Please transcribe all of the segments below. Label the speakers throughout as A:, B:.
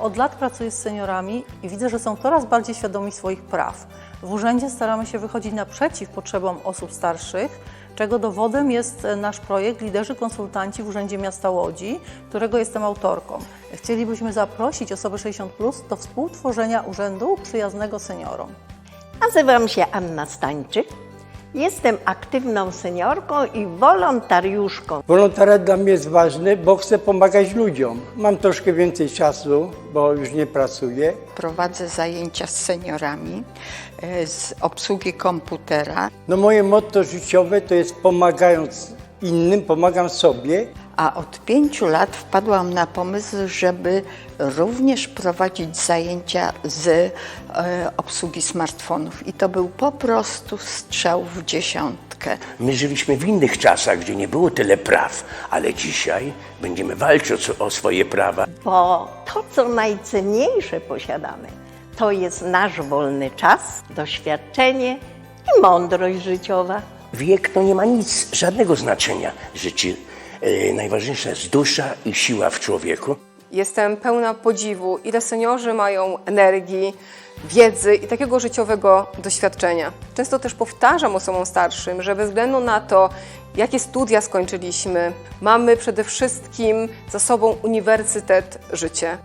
A: Od lat pracuję z seniorami i widzę, że są coraz bardziej świadomi swoich praw. W urzędzie staramy się wychodzić naprzeciw potrzebom osób starszych, czego dowodem jest nasz projekt Liderzy Konsultanci w Urzędzie Miasta Łodzi, którego jestem autorką. Chcielibyśmy zaprosić osoby 60+ do współtworzenia urzędu przyjaznego seniorom.
B: Nazywam się Anna Stańczyk. Jestem aktywną seniorką i wolontariuszką.
C: Wolontariat dla mnie jest ważny, bo chcę pomagać ludziom. Mam troszkę więcej czasu, bo już nie pracuję.
D: Prowadzę zajęcia z seniorami z obsługi komputera,
C: No moje motto życiowe to jest pomagając innym, pomagam sobie.
D: a od 5 lat wpadłam na pomysł, żeby również prowadzić zajęcia z obsługi smartfonów. I to był po prostu strzał w dziesiątkę.
E: My żyliśmy w innych czasach, gdzie nie było tyle praw, ale dzisiaj będziemy walczyć o swoje prawa.
B: Bo to, co najcenniejsze posiadamy, to jest nasz wolny czas, doświadczenie i mądrość życiowa.
E: Wiek to nie ma nic, żadnego znaczenia. Najważniejsza jest dusza i siła w człowieku.
F: Jestem pełna podziwu, ile seniorzy mają energii, wiedzy i takiego życiowego doświadczenia. Często też powtarzam osobom starszym, że bez względu na to, jakie studia skończyliśmy, mamy przede wszystkim za sobą uniwersytet życia.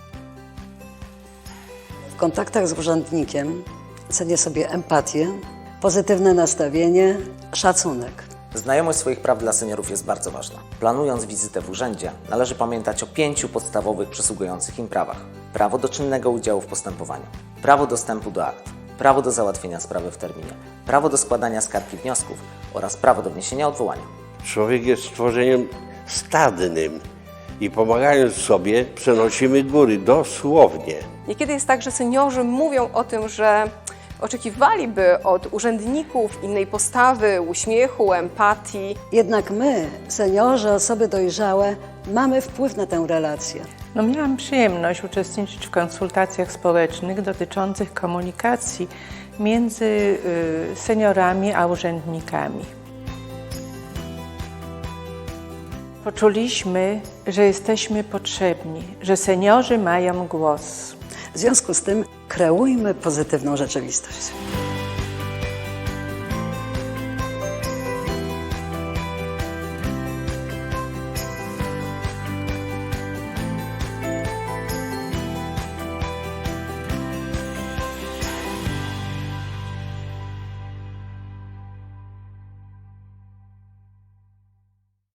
G: W kontaktach z urzędnikiem cenię sobie empatię, pozytywne nastawienie, szacunek.
H: Znajomość swoich praw dla seniorów jest bardzo ważna. Planując wizytę w urzędzie, należy pamiętać o 5 podstawowych przysługujących im prawach. Prawo do czynnego udziału w postępowaniu, prawo dostępu do akt, prawo do załatwienia sprawy w terminie, prawo do składania skarg i wniosków oraz prawo do wniesienia odwołania.
I: Człowiek jest stworzeniem stadnym i pomagając sobie przenosimy góry, dosłownie.
F: Niekiedy jest tak, że seniorzy mówią o tym, że oczekiwaliby od urzędników innej postawy, uśmiechu, empatii.
G: Jednak my, seniorzy, osoby dojrzałe, mamy wpływ na tę relację.
J: Miałam przyjemność uczestniczyć w konsultacjach społecznych dotyczących komunikacji między seniorami a urzędnikami. Poczuliśmy, że jesteśmy potrzebni, że seniorzy mają głos.
G: W związku z tym kreujmy pozytywną rzeczywistość.